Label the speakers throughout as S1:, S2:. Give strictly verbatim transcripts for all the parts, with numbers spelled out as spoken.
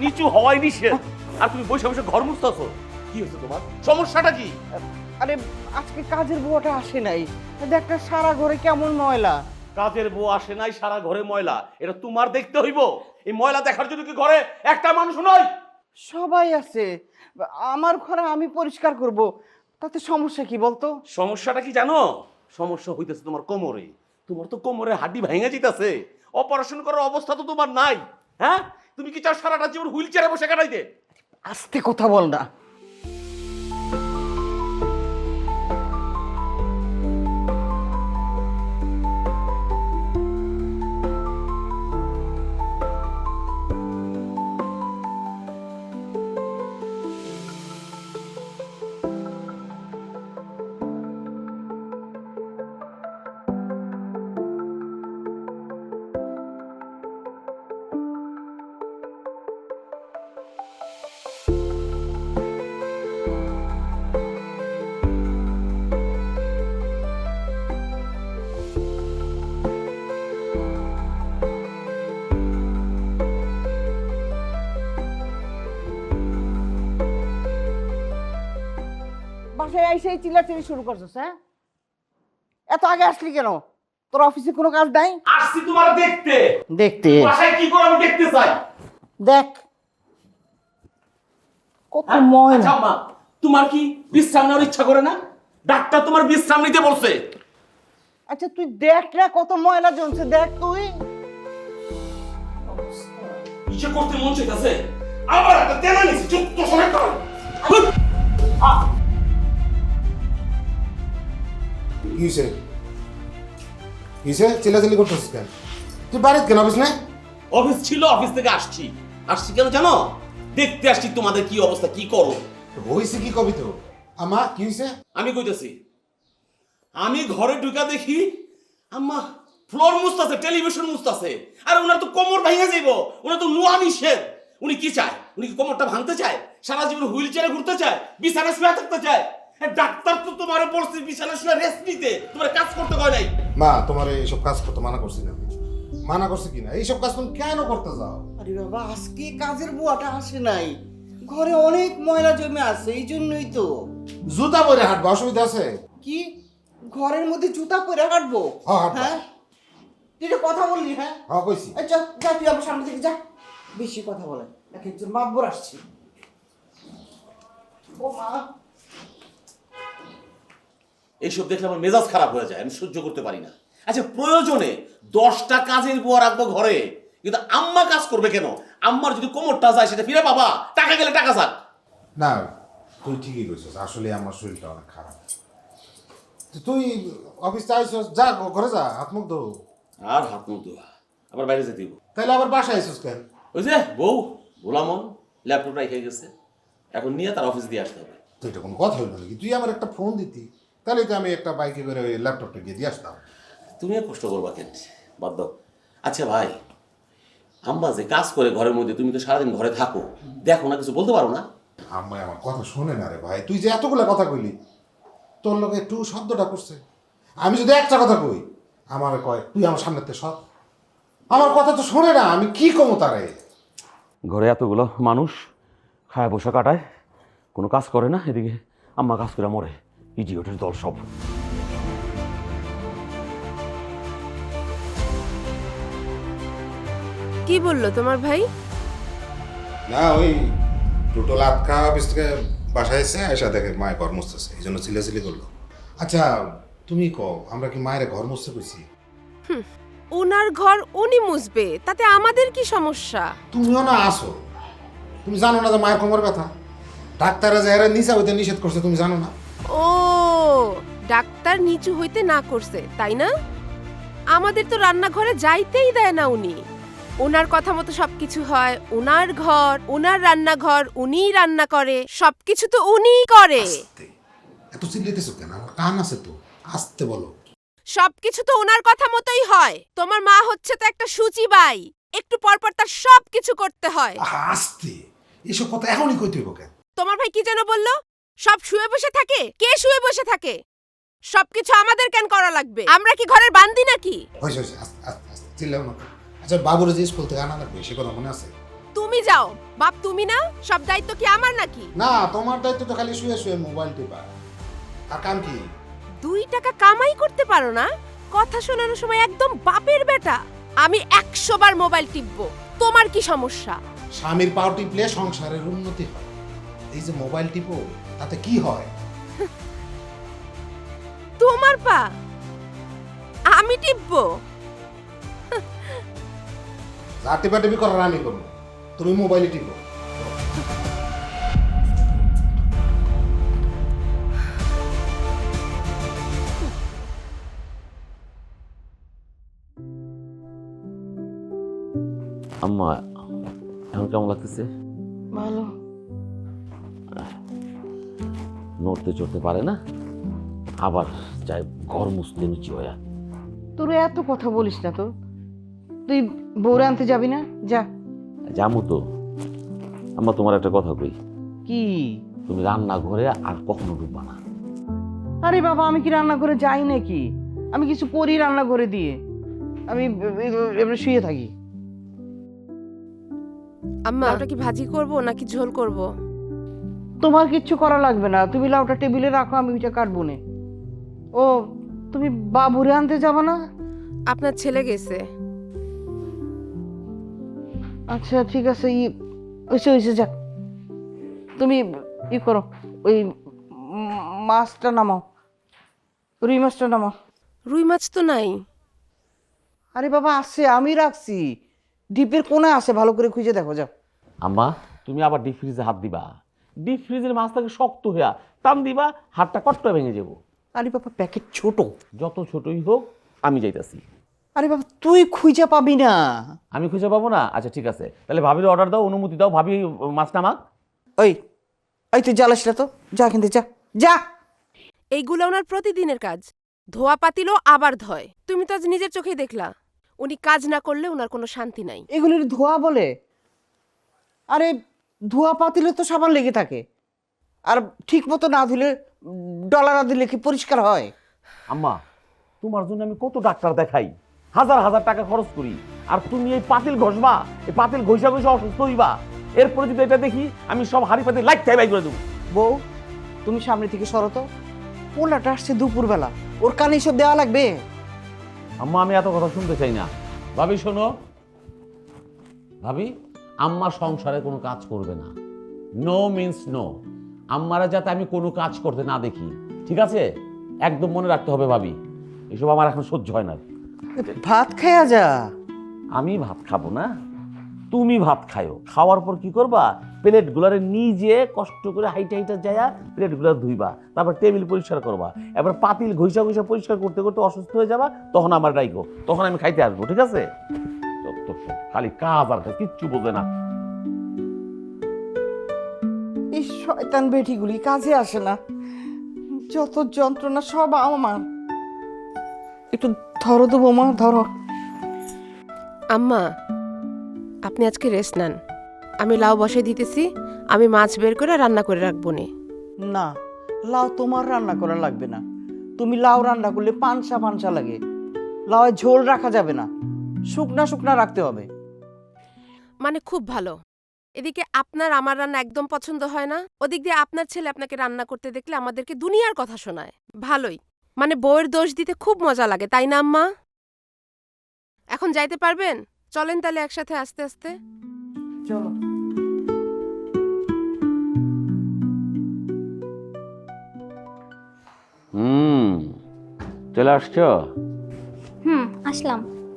S1: নিচু হওয়াই নিষেধ, আর তুমি বসে বসে ঘর মুছতেছো। কি হয়েছে তোমার? সমস্যাটা কি?
S2: আরে আজকে কাজের বুয়াটা আসে নাই, দেখ না সারা ঘরে কেমন ময়লা।
S1: কাজের বউ আসে নাই, সারা ঘরে ময়লা, এটা তোমার দেখতে হইব? এই ময়লা দেখার জন্য কি ঘরে একটা মানুষ নয়?
S2: সবাই আছে, আমার ঘরে আমি পরিষ্কার করব, তাতে সমস্যা কি বলতো?
S1: সমস্যাটা কি জানো? সমস্যা হইতেছে তোমার কোমরে। তোমার তো কোমরে হাড্ডি ভেঙে যেতেছে, অপারেশন করার অবস্থা তো তোমার নাই। হ্যাঁ, তুমি কি চাও সারাটা জীবন হুইল চেয়ারে বসে কাটাইতে?
S2: আস্তে কথা বল না। বাসায় আইসেই চিল্লাচিল্লি শুরু করছিস? হ্যাঁ, এত আগে আসলি কেন? তোর অফিসে কোনো কাজ নাই?
S1: আসছি তোমার দেখতে।
S2: দেখতে?
S1: বাসায় কি করো আমি দেখতে চাই।
S2: দেখ কত
S1: হ্যাঁ?
S2: ময়লা।
S1: আচ্ছা আম্মা, তোমার কি বিশ্রাম নেওয়ার ইচ্ছা করে না? ডাক্তার তোমার বিশ্রাম নিতে বলছে।
S2: আচ্ছা তুই দেখ না কত ময়লা জমছে, দেখ তুই।
S1: ইচ্ছে করতে মন চাইতেছে, আবার একটা তেনা নিছি, চুপ তো শোনে কর।
S3: কিসে কিসে চিল্লাচিল্লি করতেছিস কেন? তুই বাড়িতে কেন অফিস নাই?
S1: অফিস ছিল, অফিস থেকে আসছি। আসছি কেন জানো? দেখতে আসছি তোমাদের কি অবস্থা, কি করো।
S3: হইছে কি কবি তো? আমা কি হইছে?
S1: আমি কইতেছি, আমি ঘরে ঢুকা দেখি আম্মা ফ্লোর মুছতাছে, টেলিভিশন মুছতাছে। আর ওনার তো কোমর ভেঙে যাইব, ওনার তো নোয়া নিষেধ। উনি কি চায়? উনি কি কোমরটা ভাঙতে চায়? সারা জীবন হুইল চেয়ারে ঘুরতে চায়? বিছানায় শুয়ে থাকতে চায়? ডাক্তার তো তোমারে বলছে বিছানায় শুয়ে রেস্ট নিতে, তোমার কাজ করতে কয় নাই।
S3: মা তোমার এইসব কাজ করতে মানা করছি না আমি। মানা করছি কিনা? এইসব কাজ তুমি কেন করতে যাও?
S2: আরে বাবা, আজকে কাজের বুয়াটা আসে নাই, ঘরে অনেক ময়লা জমে আছে, এই জন্যই তো।
S3: জুতা পরে হাঁটবা, অসুবিধা আছে?
S2: কি ঘরের মধ্যে জুতা পরে হাঁটবো?
S3: হ্যাঁ, হাঁটবো।
S2: হ্যাঁ, তুই যে কথা বললি। হ্যাঁ
S3: হ্যাঁ কইছি।
S2: আচ্ছা যা, তুই আমার সামনে থেকে যা, বেশি কথা বলে। এক একজন মাতবর আসছে। ও মা,
S1: এইসব দেখলে আমার মেজাজ খারাপ হয়ে যায়, আমি সহ্য করতে পারি না। আচ্ছা প্রয়োজনে দশটা কাজের বুয়া রাখবো ঘরে, কিন্তু আম্মা কাজ করবে কেন? আম্মার যদি কোমরটা যায় সেটা ফিরে পাবা, টাকা গেলে টাকা যাক।
S3: না তুই ঠিকই কইছিস, আসলে আমার শরীরটা অনেক খারাপ। তো তুই অফিস চাইছিস, যা ঘরে যা, হাত মুখ ধো।
S1: আর হাত মুখ ধোয়া, আবার বাইরে যেতে দিব।
S3: তাহলে আবার বাসায় আইছিস কেন?
S1: ওই যে বউ গোলামন ল্যাপটপ রেখে গেছে, এখন নিয়ে তার অফিস দিয়ে আসতে হবে।
S3: তো এটা কোনো কথা হইল নাকি? তুই আমার একটা ফোন দিতি, তাহলে তো আমি একটা বাইকে করে ওই ল্যাপটপটা গিয়ে দিয়ে আসতাম।
S1: তুমি আর কষ্ট করবা কেন, বাদ দাও। আচ্ছা ভাই, আম্মা যে কাজ করে ঘরের মধ্যে, তুমি তো সারাদিন ঘরে থাকো, দেখো না, কিছু বলতে পারো না?
S3: আম্মাই আমার কথা শোনে না রে ভাই। তুই যে এতগুলো কথা কইলি, তোর লোক একটু শব্দটা করছে। আমি যদি একটা কথা কই, আমার কয় তুই আমার সামনেতে সৎ। আমার কথা তো শোনে না, আমি কি কমো তারে?
S1: ঘরে এতগুলো মানুষ খায় বসে কাটায়, কোনো কাজ করে না, এদিকে আম্মা কাজ করে মরে। ইডিয়টের দল সব।
S4: কি বললো তোমার ভাই?
S3: না ওই টোটো লাটকা অফিস থেকে বাসায় এসে এসে দেখে মায়ের ঘর মুছতেছে, এই জন্য চিল্লাচিল্লি করলো। আচ্ছা তুমি কও, আমরা কি মায়ের ঘর মুছতে কইছি?
S4: ওনার ঘর উনি মুছবে, তাতে আমাদের কি সমস্যা?
S3: তুমিও না আসো, তুমি জানো না যে মায়ের কোমর ব্যথা? ডাক্তাররা যারা নিচা হইতে নিষেধ করছে, তুমি জানো না?
S4: ও, ডাক্তার নিচু হইতে না করছে তাই না? আমাদের তো রান্নাঘরে যাইতেই দেয় না উনি। ওনার কথা মতো সবকিছু হয়, ওনার ঘর, ওনার রান্নাঘর, উনিই রান্না করে, সবকিছু তো উনিই করে।
S3: আস্তে, এত চিল্লাইতেছো কেন? আমার কান আছে তো, আস্তে বলো।
S4: সবকিছু তো ওনার কথা মতোই হয়। তোমার মা হচ্ছে তো একটা সূচিবাই, একটু পর পর তার সবকিছু করতে হয়।
S3: আহা, আস্তে, এসব কথা এখনই কইতে হইব কেন?
S4: তোমার ভাই কি যেন বললো, সব শুয়ে বসে থাকে? কে শুয়ে বসে থাকে? সবকিছু আমাদের কেন করা লাগবে? আমরা কি ঘরের বান্দি নাকি?
S3: হয়েছে হয়েছে, আস্তে আস্তে আস্তে চিল্লাও না। আচ্ছা বাবুর যে স্কুল থেকে আনা লাগবে, সে কথা মনে আছে?
S4: তুমি যাও। বাপ তুমি না, সব দায়িত্ব কি আমার নাকি?
S3: না, তোমার দায়িত্ব তো খালি শুয়ে শুয়ে মোবাইল টিপা। আর কাম কি?
S4: দুই টাকা কামাই করতে পারো না? কথা শোনানোর সময় একদম বাপের বেটা। আমি একশো বার মোবাইল টিপবো, তোমার কি সমস্যা?
S3: স্বামীর পাও টিপলে সংসারের উন্নতি হয়। এই যে মোবাইল টিপো, তাতে কি হয়?
S4: তোমার পা আমি টিপবো?
S3: যা টিপা টিপি করার আমি করবো, তুমি মোবাইলে টিপো।
S1: আম্মা এখন কেমন লাগতেছে?
S2: ভালো।
S1: নড়তে চড়তে পারে না, আবার যাই ঘর মুছতে নিচে হইয়া।
S2: তোর এত কথা বলিস না তো। তুই বউরে আনতে যাবি না? যা।
S1: জামু তো। আম্মা তোমার একটা কথা কই,
S2: কি?
S1: তুমি রান্না ঘরে আর কখনো ঢুকবা না।
S2: আরে বাবা, আমি কি রান্না করে যাই নাকি? আমি কিছু করি রান্না করে দিয়ে, আমি এমনি শুয়ে থাকি।
S4: আম্মা ওটা কি ভাজি করব নাকি ঝোল করব?
S2: তোমার কিচ্ছু করা লাগবে না, তুমি লাউটা টেবিলে রাখো, আমি ওইটা কাটবো না। ও, তুমি বাবুরে আনতে যাবে না?
S4: আপনার ছেলে গেছে।
S2: আচ্ছা ঠিক আছে, ই ওইসে ওইসে যা। তুমি ই করো, ওই উম, মাছটা নামাও, রুই মাছটা নামাও।
S4: রুই মাছ তো নাই।
S2: আরে বাবা আছে, আমি রাখছি ডিপের কোনায় আছে, ভালো করে খুঁজে দেখো, যাও।
S1: আম্মা তুমি আবার ডিপ ফ্রিজে হাত দিবা? ডিপ ফ্রিজের মাছটাকে শক্ত হইয়া টান দিবা, হাতটা কট্ট ভেঙে যাবো।
S2: আরে বাবা প্যাকেট ছোট।
S1: যত ছোটই হোক আমি যাইতাছি।
S2: আরে বাবা তুই খুঁজে পাবি না।
S1: আমি খুঁজে পাবো না? আচ্ছা ঠিক আছে, তাহলে ভাবির অর্ডার দাও, অনুমতি দাও, ভাবি মাছ নামাক।
S2: ওই ওই তুই জ্বালাস না তো, যা কিন্তু যা যা।
S4: এইগুলো ওনার প্রতিদিনের কাজ। ধোয়া পাতিলও আবার ধয়। তুমি তো আজ নিজের চোখেই দেখলা, উনি কাজ না করলে ওনার কোনো শান্তি নাই।
S2: এগুলির ধোয়া বলে? আরে ধোয়া পাতিলে তো সাবান লেগে থাকে, আর ঠিক মতো না ধুলে, ডলার না দিলে কি পরিষ্কার হয়?
S1: আম্মা তোমার জন্য আমি কত ডাক্তার দেখাই, হাজার হাজার টাকা খরচ করি, আর তুমি এই পাতিল ঘষবা, এই পাতিল ঘষা ঘষা অসুস্থ হইবা। এরপরে যদি এটা দেখি আমি সব হাড়ি পাতিল লাইট খাই বাই করে দেবো।
S2: বউ তুমি সামনে থেকে সরো তো, ওনাটা আসছে দুপুরবেলা, ওর কানে সব দেওয়া লাগবে?
S1: আম্মা আমি এত কথা শুনতে চাই না। ভাবি শোনো, ভাবি আম্মা সংসারে কোনো কাজ করবে না। No means no. আম্মারা যাতে আমি কোনো কাজ করতে না দেখি, ঠিক আছে? একদম মনে রাখতে হবে ভাবি, এসব আমার এখন সহ্য হয় না।
S2: ভাত খায়া যা।
S1: আমি ভাত খাবো না, তুমি ভাত খায়ো। খাওয়ার পর কি করবা, প্লেটগুলারে নিজে কষ্ট করে হাইটা হাইটা যায়া প্লেটগুলো ধুইবা, তারপর টেবিল পরিষ্কার করবা, এবার পাতিল ঘষা ঘষা পরিষ্কার করতে করতে অসুস্থ হয়ে যাবা, তখন আমার ডাইকো, তখন আমি খাইতে আসবো, ঠিক আছে? যত সব খালি কাজ আর কাজ, কিচ্ছু বোঝে না।
S2: এই শয়তান বেটিগুলি কাজে আসে না, যত যন্ত্রণা সব আমার। একটু ধরো তো বৌমা, ধরো।
S4: আম্মা আপনি আজকে রেস্ট নেন, আমি লাউ বসে দিতেছি, আমি মাছ বের করে রান্না করে রাখবো নে।
S2: না, লাউ তোমার রান্না করা লাগবে না। তুমি লাউ রান্না করলে পানসা পানসা লাগে, লাউ ঝোল রাখা যাবে না, শুকনা শুকনা রাখতে হবে।
S4: মানে খুব ভালো। এদিকে আপনার আমার রান্না একদম পছন্দ হয় না, ওদিক দিয়ে আপনার ছেলে আপনাকে রান্না করতে দেখলে আমাদেরকে দুনিয়ার কথা শোনায়। ভালোই, মানে বউয়ের দোষ দিতে খুব মজা লাগে, তাই না আম্মা? এখন যাইতে পারবেন? চলেন তাহলে একসাথে আস্তে আস্তে।
S2: চলো।
S1: হুম, চলে আসছো?
S5: হুম আসলাম।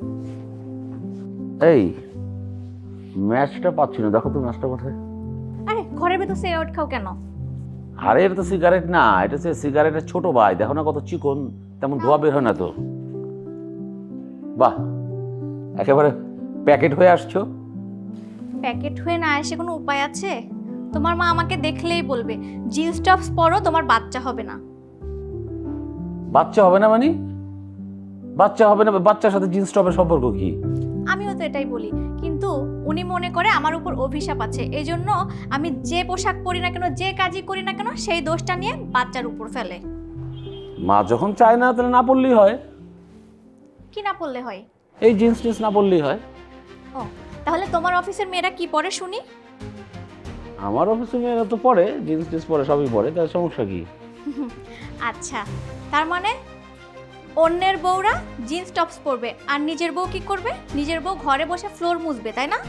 S1: এই ম্যাচটা পাচ্ছি না, দেখো তো ম্যাচটা কোথায়?
S5: আরে ঘরের ভেতর সিগারেট খাও কেন?
S1: আরে এটা তো সিগারেট না, এটা হচ্ছে সিগারেটের ছোট ভাই, দেখো না কত চিকন, তেমন ধোয়া বের হয় না তো। বাহ, একেবারে প্যাকেট হয়ে আসছো।
S5: প্যাকেট হয়ে না এসে কোনো উপায় আছে? তোমার মা আমাকে দেখলেই বলবে জিন্স টপস পরো, তোমার বাচ্চা হবে না।
S1: বাচ্চা হবে না মানে? বাচ্চা হবে না, বাচ্চার সাথে জিন্স টপের সম্পর্ক কি?
S5: আমিও তো এটাই বলি, কিন্তু উনি মনে করে আমার উপর অভিশাপ আছে, এই জন্য আমি যে পোশাক পরি না কেন, যে কাজই করি না কেন, সেই দোষটা নিয়ে বাচ্চার উপর ফেলে।
S1: মা যখন চায় না তাহলে না পড়লেই হয়।
S5: কি না পড়লে হয়?
S1: এই জিন্স টিন্স না পড়লেই হয়।
S5: ও তাহলে তোমার অফিসের মেয়েরা কি পরে শুনি?
S6: আমার অফিসে মেয়েরা তো পরে জিন্স টিন্স পরে, সবই পরে, তার সমস্যা কি?
S5: আচ্ছা, তার মানে অন্যের বউরা জিন্স টপস পরবে আর নিজের বউ কি করবে? নিজের বউ ঘরে বসে ফ্লোর মুছবে, তাই না?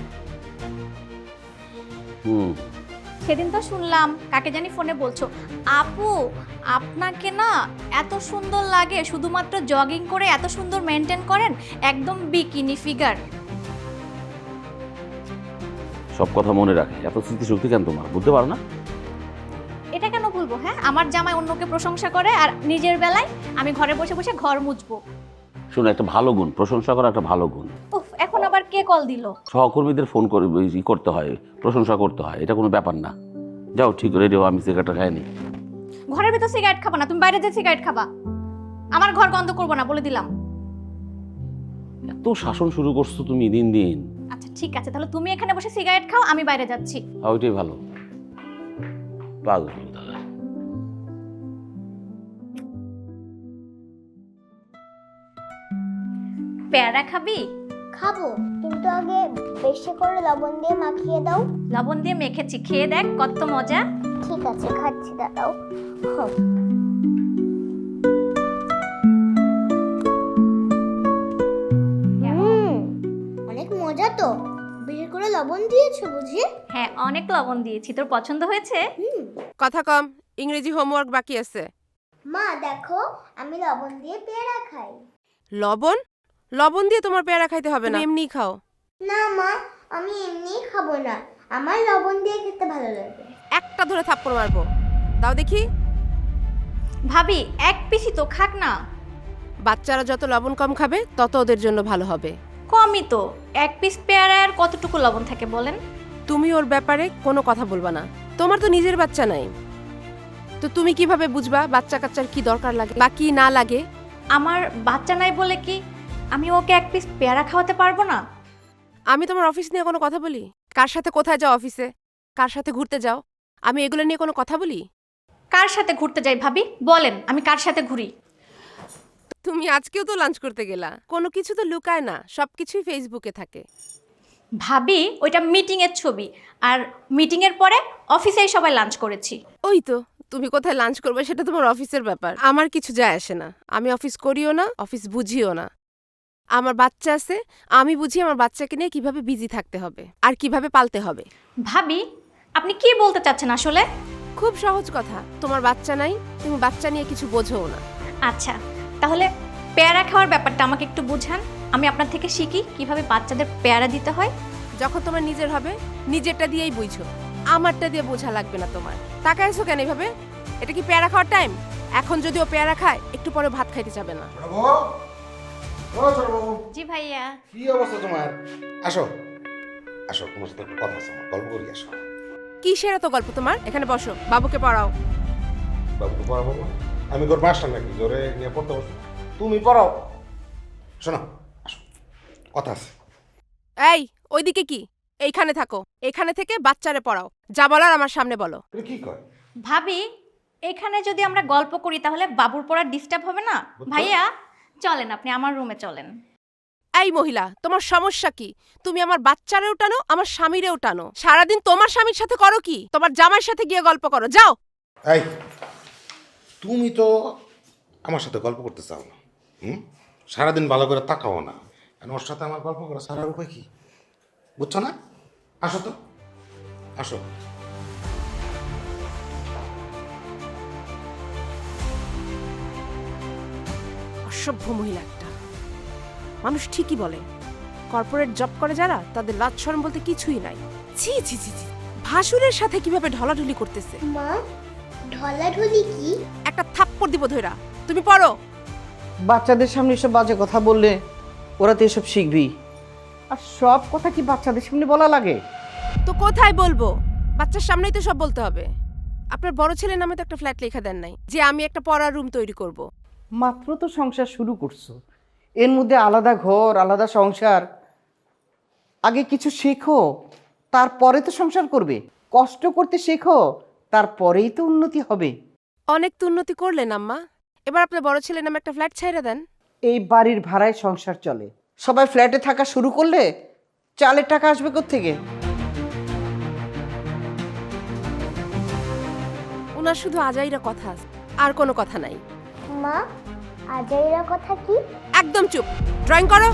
S6: হুম।
S5: সেদিন তো শুনলাম কাকে জানি ফোনে বলছো, আপু আপনাকে না এত সুন্দর লাগে, শুধুমাত্র জগিং করে এত সুন্দর মেনটেন করেন, একদম বিকিনি ফিগার।
S6: সব কথা মনে রাখে, এত স্মৃতিশক্তি কেন তোমার, বুঝতে পারো না?
S5: এটা কেন বলবো? হ্যাঁ, আমার জামাই অন্যকে প্রশংসা করে আর নিজের বেলায় আমি ঘরে বসে বসে ঘর মুছবো।
S6: শোনো, একটা ভালো গুণ, প্রশংসা করা একটা ভালো গুণ।
S5: উফ, এখন আবার কে কল দিল?
S6: সহকর্মীদের ফোন করে ই করতে হয়, প্রশংসা করতে হয়, এটা কোনো ব্যাপার না। যাও, ঠিক রেডিও, আমি সিগারেটটা খাইনি।
S5: ঘরের ভিতর সিগারেট খাবা না, তুমি বাইরে যে সিগারেট খাবা। আমার ঘর গন্ধ করবো না, বলে দিলাম।
S6: এত শাসন শুরু করছো তুমি দিন দিন।
S5: আচ্ছা ঠিক আছে, তাহলে তুমি এখানে বসে সিগারেট খাও, আমি বাইরে যাচ্ছি।
S6: আর ওইটাই ভালো। পাগল দাদা।
S5: পেয়ারা খাবি?
S7: খাবো, কিন্তু আগে বেশি করে লবণ দিয়ে মাখিয়ে দাও।
S5: লবণ দিয়ে মেখেছি, খেয়ে দেখ কত মজা।
S7: ঠিক আছে, খাচ্ছি, দাঁড়াও। হুম। হুম, অনেক মজা তো। বেশি করে লবণ দিয়েছো বুঝি?
S5: হ্যাঁ, অনেক লবণ দিয়েছি। তোর পছন্দ হয়েছে?
S7: হুম।
S4: কথা কম, ইংরেজি হোমওয়ার্ক বাকি আছে।
S7: মা দেখো, আমি লবণ দিয়ে পেয়ারা খাই।
S4: লবণ? লবণ দিয়ে তোমার পেয়ারা খাইতে হবে না, এমনি খাও।
S7: না মা, আমি এমনিই খাবো না, আমার লবণ দিয়ে খেতে ভালো লাগে।
S4: একটা ধরে থাপ্পড় মারবো। দাও দেখি।
S5: ভাবি এক পিসি তো, খাক না।
S4: বাচ্চারা যত লবণ কম খাবে তত ওদের জন্য ভালো হবে।
S5: কমই তো, এক পিস পেয়ারায় আর কতটুকু লবণ থাকে বলেন?
S4: তুমি ওর ব্যাপারে কোনো কথা বলবা না। তোমার তো নিজের বাচ্চা নাই, তো তুমি কিভাবে বুঝবা বাচ্চা কাচ্চার কি দরকার লাগে বা কি না লাগে?
S5: আমার বাচ্চা নাই বলে কি আমি ওকে এক পিস পেয়ারা খাওয়াতে পারবো না?
S4: আমি তোমার অফিস নিয়ে কোনো কথা বলি? কার সাথে কোথায় যাও অফিসে, কার সাথে ঘুরতে যাও, আমি এগুলো নিয়ে কোনো কথা বলি?
S5: কার সাথে ঘুরতে যাই ভাবি বলেন, আমি কার সাথে ঘুরি?
S4: তুমি আজকেও তো লাঞ্চ করতে গেলা, কোনো কিছু তো লুকায় না, সব কিছুই ফেসবুকে থাকে।
S5: ভাবি ওইটা মিটিং এর ছবি, আর মিটিং এর পরে অফিসেই সবাই লাঞ্চ করেছি।
S4: ওই তো, তুমি কোথায় লাঞ্চ করবে সেটা তোমার অফিসের ব্যাপার, আমার কিছু যায় আসে না। আমি অফিস করিও না, অফিস বুঝিও না। আমার বাচ্চা আছে, আমি বুঝি আমার বাচ্চাকে নিয়ে কিভাবে বিজি থাকতে হবে আর কিভাবে পালতে হবে।
S5: ভাবি আপনি কি বলতে চাচ্ছেন আসলে?
S4: খুব সহজ কথা, তোমার বাচ্চা নাই, তুমি বাচ্চা নিয়ে কিছু বোঝো না।
S5: আচ্ছা, তাহলে পেয়ারা খাওয়ার ব্যাপারটা আমাকে একটু বোঝান, আমি আপনার থেকে শিখি কিভাবে বাচ্চাদের পেয়ারা দিতে হয়।
S4: যখন তোমার নিজের হবে নিজেরটা দিয়েই বুঝো, আমারটা দিয়ে বোঝা লাগবে না তোমার। তাকাইছো কেন এভাবে? এটা কি পেয়ারা খাওয়ার টাইম? এখন যদি ও পেয়ারা খায়, একটু পরে ভাত খাইতে যাবে না।
S5: জি ভাইয়া।
S3: কি অবস্থা তোমার? আসো আসো, তোমার সাথে কথা আছে, আমার গল্প করি, আসো।
S4: কিসের এত গল্প তোমার? এখানে বসো, বাবুকে পড়াও।
S3: বাবুকে পড়াবো না? আমি তোর মাস্টার নাকি জোরে নিয়ে পড়তে বসো? তুমি পড়াও। শোনো, আসো, কথা আছে।
S4: এই, ওইদিকে কি? এইখানে থাকো, এখানে থেকে বাচ্চারে পড়াও, যা বলার আমার সামনে বলো।
S3: এটা কি কয়?
S5: ভাবি এখানে যদি আমরা গল্প করি তাহলে বাবুর পড়ার ডিস্টার্ব হবে না?
S3: বুঝছো?
S5: ভাইয়া চলেন, আপনি আমার রুমে চলেন।
S4: এই মহিলা, তোমার সমস্যা কি? তুমি আমার বাচ্চারেও টানো, আমার স্বামীরেও টানো। সারাদিন তোমার স্বামীর সাথে করো কি? তোমার জামাইয়ের সাথে গিয়ে গল্প করো, যাও।
S3: এই, তুমি তো আমার সাথে গল্প করতে চাও না, হুম? সারাদিন ভালো করে তাকাও না, আর ওর সাথে আমার গল্প করা সারার উপায় কি? বুঝছো না? আসো তো, আসো।
S4: অসভ্য মহিলা একটা। মানুষ ঠিকই বলে, কর্পোরেট জব করে যারা, তাদের লাজ শরম বলতে কিছুই নাই। ছি ছি ছি ছি, ভাসুরের সাথে কিভাবে ঢলাঢলি করতেছে।
S7: মা, ঢলাঢলি কি?
S4: একটা থাপ্পড় দিব ধইরা। তুমি পড়ো।
S2: বাচ্চাদের সামনে এসব বাজে কথা বললে ওরা তো এসব শিখবেই। আর সব কথা কি বাচ্চাদের সামনে বলা লাগে?
S4: তো কোথায় বলবো? বাচ্চার সামনেই তো সব বলতে হবে। আপনার বড় ছেলের নামে তো একটা ফ্ল্যাট লেখা দেন নাই যে আমি একটা পড়ার রুম তৈরি করব।
S2: মাত্র তো সংসার শুরু করছো, এর মধ্যে আলাদা ঘর, আলাদা সংসার। আগে কিছু শেখো, তারপরে তো সংসার করবে। কষ্ট করতে শেখো, তারপরেই তো উন্নতি হবে।
S4: অনেক তো উন্নতি করলেন আম্মা, এবার আপনার বড় ছেলের নামে একটা ফ্ল্যাট ছাইড়া দেন।
S2: এই বাড়ির ভাড়ায় সংসার চলে, সবাই ফ্ল্যাটে থাকা শুরু করলে চালের টাকা আসবে কোত্থেকে?
S4: ওনার শুধু আজাইরা কথা আছে, আর কোনো কথা নাই।
S7: মা, আজাইরা কথা কি?
S4: একদম চুপ, ড্রয়িং করো।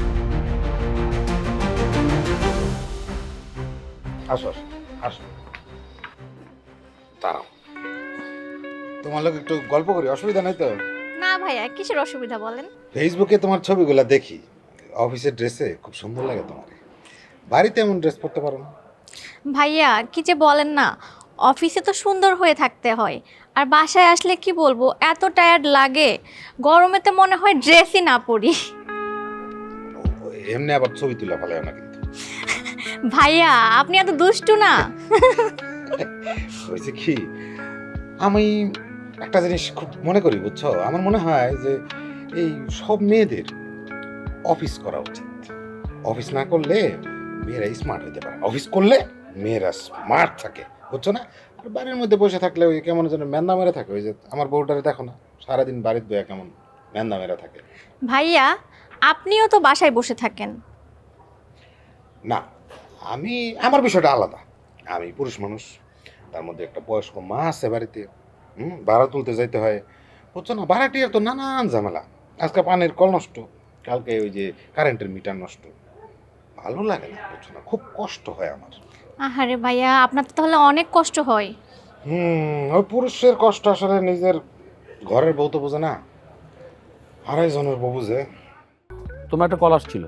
S3: আসো আসো আসো, দাঁড়াও, তোমার লোক একটু গল্প করি, অসুবিধা নাই তো?
S5: না ভাইয়া, কিসের অসুবিধা বলেন?
S3: ফেসবুকে তোমার ছবিগুলো দেখি, অফিসের ড্রেসে খুব সুন্দর লাগে তোমার, বাড়িতে এমন ড্রেস পরতে পারো না?
S5: ভাইয়া কি যে বলেন না, অফিসে তো সুন্দর হয়ে থাকতে হয়, আর বাসায় আসলে কি বলবো, এত টায়ার্ড লাগে, গরমেতে মনে হয় ড্রেসই না পরি।
S3: ও- এমনি আবার ছবি তুলে ফেলে না কিন্তু।
S5: ভাইয়া আপনি এত দুষ্টু না।
S3: হয়েছে কি, আমি একটা জিনিস খুব মনে করি বুঝছো, আমার মনে হয় যে এই সব মেয়েদের অফিস করা উচিত। অফিস না করলে মেয়েরা স্মার্ট হতে পারে, অফিস করলে মেয়েরা স্মার্ট থাকে, বুঝছো না? আর বাড়ির মধ্যে বসে থাকলে ওই কেমন যেন ম্যান্দা মেরে থাকে, ওই যে আমার বউটারে দেখো না, সারাদিন বাড়ির বইয়া কেমন ম্যান্দা মেরে থাকে।
S5: ভাইয়া আপনিও তো বাসায় বসে থাকেন।
S3: না, আমি, আমার বিষয়টা আলাদা, আমি পুরুষ মানুষ, তার মধ্যে একটা বয়স্ক মা আছে বাড়িতে, হুম, ভাড়া তুলতে যাইতে হয়, বুঝছো না? ভাড়াটিয়ার তো নানান ঝামেলা, আজকে পানির কল নষ্ট, কালকে ওই যে কারেন্টের মিটার নষ্ট, ভালো লাগে না, বুঝছো না? খুব কষ্ট হয় আমার।
S5: আহারে ভাইয়া, আপনার তো তাহলে অনেক কষ্ট হয়।
S3: হুম, ওই পুরুষের কষ্ট আসলে নিজের ঘরের বউ তো বোঝে না, আড়াই জনের বউ বুঝে।
S6: তোমার একটা কল আসছিল।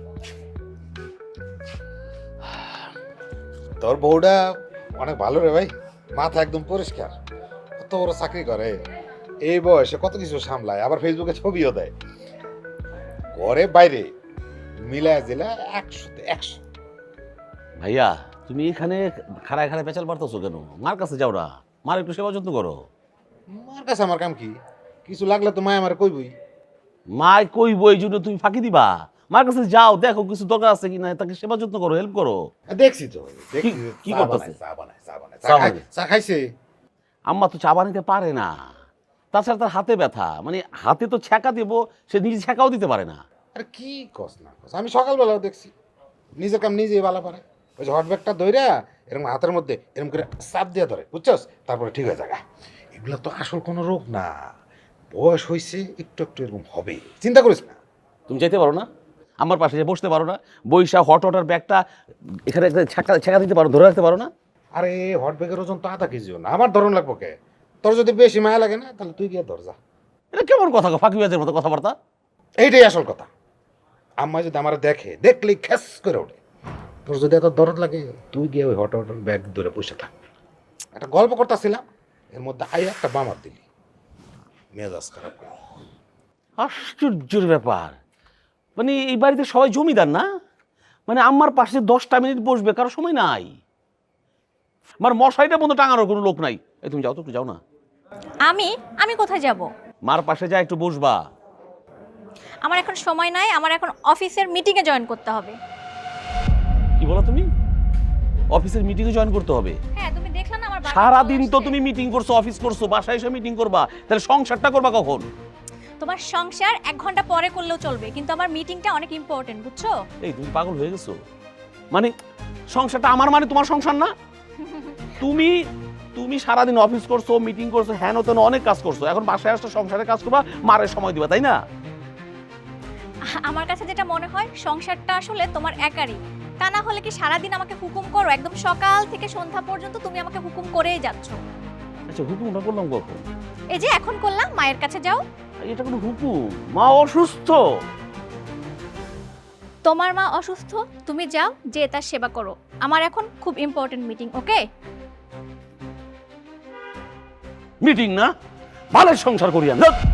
S3: তোর বউটা অনেক ভালো রে ভাই, মাথা একদম পরিষ্কার, কত বড় চাকরি করে, এই বয়সে কত কিছু সামলায়, আবার ফেসবুকে ছবিও দেয়, ঘরে বাইরে মিলায় জেলা একশোতে একশো।
S6: ভাইয়া তুমি এখানে খাড়ায় খাড়ায় পেঁচাল পারতেছো কেন? মার কাছে যাও না, মার একটু সেবা যত্ন করো।
S3: মার কাছে আমার কাম কি? কিছু লাগলে তো মায় আমার কইবই।
S6: মায় কইব এই জন্য তুমি ফাঁকি দিবা? মার কাছে যাও, দেখো কিছু দরকার আছে কিনা, তাকে সেবা যত্ন করো, হেল্প করো।
S3: দেখছি তো, দেখছি
S6: কি- কি
S3: চা
S6: করতেছে?
S3: বানায়, চা বানায়, চা বানায়, চা
S6: চা
S3: খাই-
S6: বানায়।
S3: চা খাইছে।
S6: আম্মা তো চা বানাইতে পারে না, তাছাড়া তার হাতে ব্যথা, মানে হাতে তো ছ্যাঁকা দেব, সে নিজে ছ্যাঁকাও দিতে পারে না।
S3: আরে কি কস না কস, আমি সকালবেলাও দেখছি নিজের কাম নিজেই ভালো পারে, ওই যে হট ব্যাগটা ধইরা এরকম হাতের মধ্যে এরকম করে চাপ দিয়ে ধরে, বুঝছস, তারপরে ঠিক হয়ে যায়। এগুলো তো আসল কোনো রোগ না, বয়স হয়েছে, একটু একটু এরকম হবে, চিন্তা করিস না।
S6: তুমি যেতে পারো না আমার পাশে, যে বসতে পারো না, বৈশা হট ওয়াটার ব্যাগটা এখানে একটা ছ্যাঁকা ছ্যাঁকা দিতে পারো, ধরে রাখতে পারো না?
S3: আরে হট ব্যাগের ওজন তো আধা কেজিও না, আমার ধরন লাগবো কে? তোর যদি বেশি মায়া লাগে না তাহলে তুই গিয়ে ধর যা।
S6: এটা কেমন কথা গো, ফাঁকি বাজের মতো কথাবার্তা।
S3: এইটাই আসল কথা। আম্মা যদি আমার দেখে, দেখলেই খ্যাস করে ওঠে। তোর যদি এত দরদ লাগে তুই গিয়ে ওই হট ওয়াটার ব্যাগ ধরে বসে থাক। একটা গল্প করতেছিলাম, এর মধ্যে আই একটা বামার দিলি, মেজাজ খারাপ করে।
S6: আশ্চর্যের ব্যাপার, মানে এই বাড়িতে সবাই জমিদার না? মানে আমার পাশে দশটা মিনিট বসবে কারো সময় নাই, আমার মশাইটা বন্ধু টাঙানোর কোনো লোক নাই। এই তুমি যাও তো, একটু যাও না।
S5: আমি আমি কোথায় যাব?
S6: মার পাশে যা একটু বসবা।
S5: আমার এখন সময় নাই, আমার এখন অফিসের মিটিংয়ে জয়েন করতে হবে।
S6: কি বলো তুমি? অফিসের মিটিংয়ে জয়েন করতে হবে?
S5: হ্যাঁ, তুমি দেখলে না আমার বাবা
S6: সারাদিন
S5: চলে
S6: তো
S5: আসছে।
S6: তুমি মিটিং করছো, অফিস করছো, বাসায় এসে মিটিং করবা, তাহলে সংসারটা করবা কখন?
S5: তোমার সংসার এক ঘন্টা পরে করলেও চলবে, কিন্তু আমার মিটিংটা অনেক ইম্পর্টেন্ট, বুঝছো?
S6: এই তুমি পাগল হয়ে গেছো? মানে সংসারটা আমার, মানে তোমার সংসার না? তুমি তুমি সারাদিন অফিস করছো, মিটিং করছো, হ্যান তেন অনেক কাজ করছো, এখন বাসায় আসলে সংসারের কাজ করবা, মারের সময় দিবা, তাই না?
S5: আমার কাছে যেটা মনে হয়, সংসারটা আসলে তোমার একারই, তা না হলে কি সারাদিন আমাকে হুকুম করো? একদম সকাল থেকে সন্ধ্যা পর্যন্ত তুমি আমাকে হুকুম করেই যাচ্ছ।
S6: আচ্ছা, হুকুমটা করলাম কখন?
S5: এই যে এখন করলাম, মায়ের কাছে যাও।
S6: এটা কোনো হুকুম? মা অসুস্থ।
S5: তোমার মা অসুস্থ, তুমি যাও, যে তার সেবা করো। আমার এখন খুব ইম্পর্টেন্ট মিটিং, ওকে?
S6: মিটিং না, বালের সংসার করি আমি।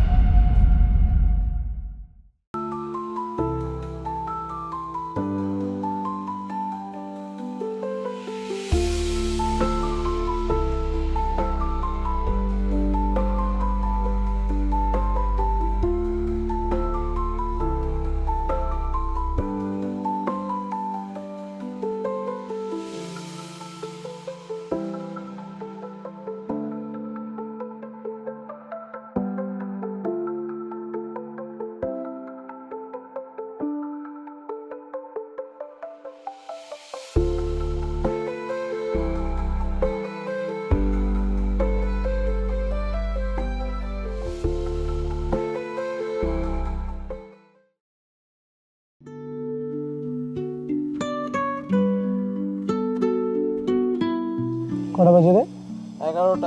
S8: কটা বাজে রে?
S9: এগারোটা।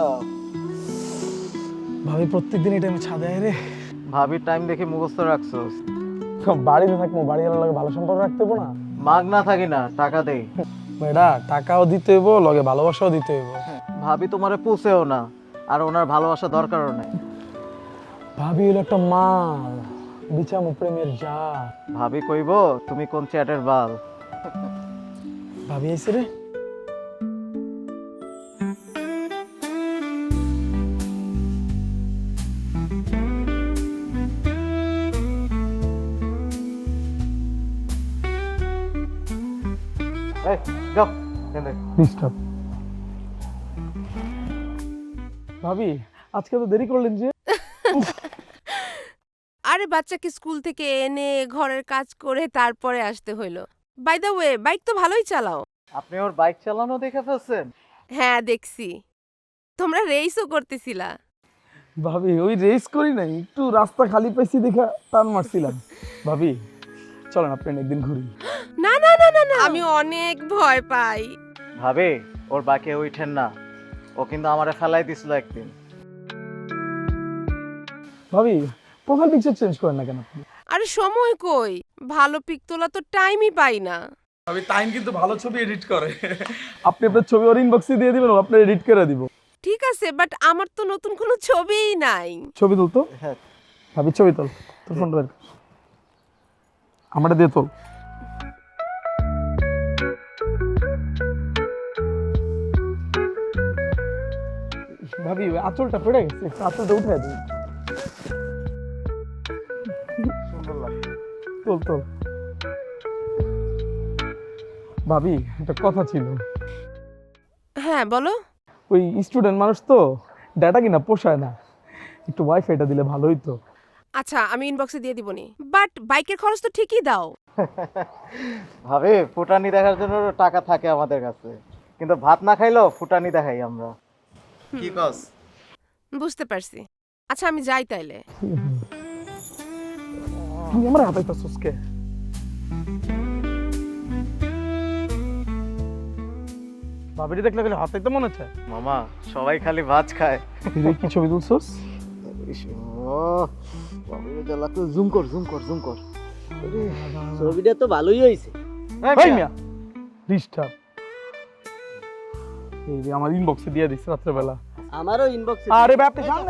S8: ভাবি প্রত্যেকদিন এই টাইমে ছাদে আয় রে।
S9: ভাবির টাইম দেখে মুখস্থ রাখছোস।
S8: বাড়িতে থাকবো, বাড়িওয়ালার লগে ভালো সম্পর্ক রাখতে হবো না?
S9: মাগ না থাকি না, টাকা দেই।
S8: বেটা টাকাও দিতে হইব, লগে ভালোবাসাও দিতে হইব।
S9: ভাবি তোমারে পুষেও না, আর ওনার ভালোবাসা দরকারও নাই।
S8: ভাবি হলো একটা মাল, বিচামু প্রেমের যা।
S9: ভাবি কইব তুমি কোন চ্যাটের বাল।
S8: ভাবি আইছে রে।
S9: এই যাও এনে
S8: ডিস্টার্ব। ভাবি আজকে তো দেরি করলেন যে?
S4: আরে বাচ্চাকে স্কুল থেকে এনে ঘরের কাজ করে তারপরে আসতে হইলো। বাই দ্য ওয়ে, বাইক তো ভালোই চালাও।
S9: আপনি ওর বাইক চালানো দেখে ফেলছেন?
S4: হ্যাঁ দেখছি, তোমরা রেসও করতেছিলা।
S8: ভাবি ওই রেস করি নাই, একটু রাস্তা খালি পাইছি দেখা টান মারছিলাম। ভাবি চলেন আপনি একদিন ঘুরি।
S4: না না না না না, আমি অনেক ভয় পাই।
S9: ভাবি ওর বাকে উঠেন না, ও কিন্তু আমারে ফেলাই দিছিল একদিন।
S8: ভাবি প্রোফাইল পিকচার চেঞ্জ করেন না কেন আপনি?
S4: আরে সময় কই, ভালো পিক তোলা তো টাইমই পাই না।
S8: ভাবি টাইম কিন্তু ভালো ছবি এডিট করে। আপনি আপনার ছবি ওর ইনবক্সে দিয়ে দিবেন, ও আপনার এডিট করে দিব।
S4: ঠিক আছে, বাট আমার তো নতুন কোনো ছবিই নাই।
S8: ছবি তুল তো।
S9: হ্যাঁ
S8: ভাবি ছবি তোল, তোর ফোনটা বের কর। আমারটা দিয়ে তোল। ভাবি ওই আঁচলটা পড়ে গেছে, একটু আঁচলটা উঠে দিন।
S9: সুন্দর লাগছে।
S8: তোল তোল। ভাবি একটা কথা ছিল।
S4: হ্যাঁ বলো।
S8: ওই স্টুডেন্ট মানুষ তো, ডাটা কিনা পোষায় না, একটু ওয়াইফাইটা দিলে ভালো হইতো।
S4: আচ্ছা আমি ইনবক্সে দিয়ে দিবনি, বাট বাইকের খরচ তো ঠিকই দাও।
S9: ভাবি ফুটানি দেখার জন্য টাকা থাকে আমাদের কাছে, কিন্তু ভাত না খাইলেও ফুটানি দেখাই আমরা। কি কস?
S4: বুঝতে পারছি। আচ্ছা আমি যাই তাইলে।
S8: তুই আমার হাতাইতাছস কে? ভাবিটি দেখলে গেলে হাতাইতে মনে হচ্ছে।
S9: মামা সবাই খালি ভাত খায়।
S8: তুই কি ছবি তুলছস?
S9: জুম কর জুম কর জুম কর। ছবিটা তো ভালোই হয়েছে।
S8: এই মিয়া ডিস্টার্ব। এই যে আমার ইনবক্সে দিয়ে দিছ রাত্রে বেলা।
S9: আমারও ইনবক্সে।
S8: আরে বাপরে সামনে।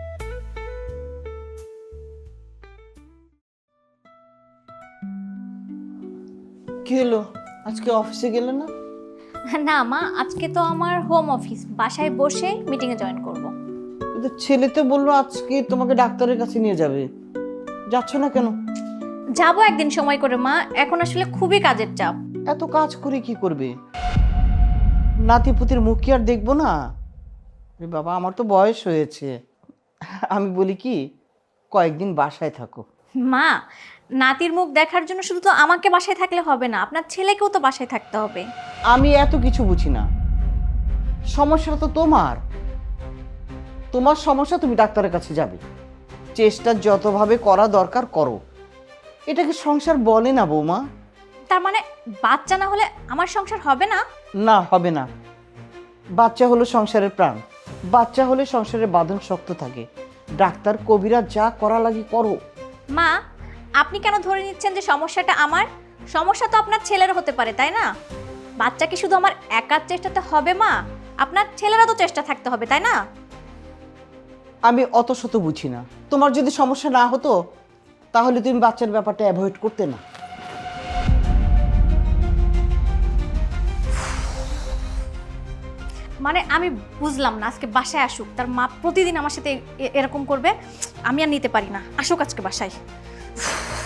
S2: কি হলো, আজকে অফিসে গেলে না?
S5: না মা, আজকে তো আমার হোম অফিস, বাসায় বসে মিটিংয়ে জয়েন করব।
S2: কিন্তু ছেলে তো বললো আজকে তোমাকে ডাক্তারের কাছে নিয়ে যাবে, যাচ্ছ না কেন?
S5: যাব একদিন সময় করে মা, এখন আসলে খুবই কাজের চাপ।
S2: এত কাজ করে কি করবে? নাতি পুতির মুখ কি আর দেখবো না? এ বাবা, আমার তো বয়স হয়েছে। আমি বলি কি, কয়েকদিন বাসায় থাকো।
S5: মা, নাতির মুখ দেখার জন্য শুধু তো আমাকে বাসায় থাকলে হবে না, আপনার ছেলেকেও তো বাসায় থাকতে হবে।
S2: আমি এত কিছু বুঝি না, সমস্যা তো তোমার। তোমার সমস্যা, তুমি ডাক্তারের কাছে যাবে, চেষ্টা যতভাবে করা দরকার করো। এটাকে সংসার বলে না বৌমা।
S5: তার মানে বাচ্চা না হলে আমার সংসার হবে না?
S2: না, হবে না। বাচ্চা হলো সংসারের প্রাণ, বাচ্চা হলে সংসারের বাঁধন শক্ত থাকে। ডাক্তার কবিরা যা করা লাগে করো।
S5: মা, আপনি কেন ধরে নিচ্ছেন যে সমস্যাটা আমার? সমস্যা তো আপনার ছেলের হতে পারে, তাই না? বাচ্চা কি শুধু আমার একার চেষ্টাতে হবে মা? আপনার ছেলেরও তো চেষ্টা থাকতে হবে, তাই না?
S2: আমি অত শত বুঝি না। তোমার যদি সমস্যা না হতো তাহলে তুমি বাচ্চার ব্যাপারটা অ্যাভয়েড করতে না।
S5: মানে আমি বুঝলাম না, আজকে বাসায় আসুক, তার মা প্রতিদিন আমার সাথে এ- এরকম করবে, আমি আর নিতে পারি না। আসুক আজকে বাসায়।